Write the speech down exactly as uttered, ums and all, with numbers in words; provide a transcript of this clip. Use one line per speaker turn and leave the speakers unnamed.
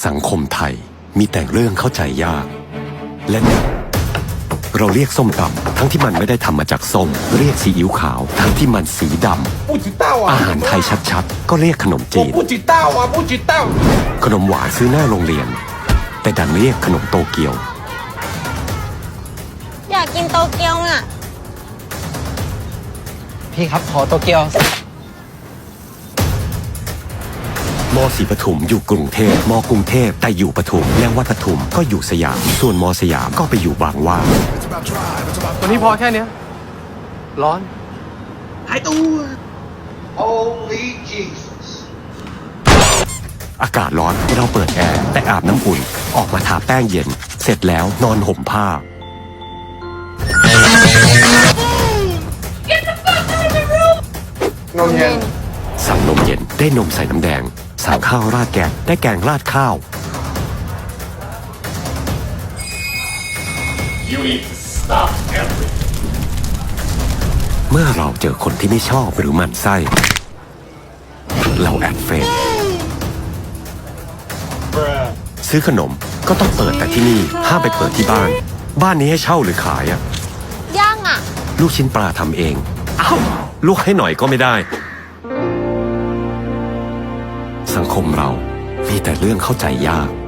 สังคมไทยมีแต่เรื่องเข้าใจยาก และนี่เราเรียกส้มตำทั้งที่มันไม่ได้ทำมาจากส้มเรียกซีอิ๊วขาวทั้งที่มันสีดำอาหารไทยชัดๆก็เรียกขนมจีนขนมหวานซื้อหน้าโรงเรียนแต่ดันเรียกขนมโตเกียว
อยากกินโตเกียวอ่ะ
พี่ครับขอโตเกียว
มอศรีปทุมอยู่กรุงเทพมกรุงเทพแต่อยู่ปทุมและวัดปทุมก็อยู่สยามส่วนมอสยามก็ไปอยู่บางหว่า
วันนี้พอแค่เนี้ยร้อน
หายตัว Holy Jesus
อากาศร้อนเราเปิดแอร์แต่อาบน้ำอุ่นออกมาทาแป้งเย็นเสร็จแล้วนอนห่มผ้าน
มเย็น
สั่งนมเย็นได้นมใส่น้ำแดงสั่งข้าวราดแกงได้แกงราดข้าว You need to stop everything เมื่อเราเจอคนที่ไม่ชอบหรือหมั่นไส้เราแอดเฟซซื้อขนมก็ต้องเปิดแต่ที่นี่ห้ามไปเปิดที่บ้านบ้านนี้ให้เช่าหรือขายอะ
ย่างอะ
ลูกชิ้นปลาทำเองอ้าวลวกให้หน่อยก็ไม่ได้สังคมเรามีแต่เรื่องเข้าใจยาก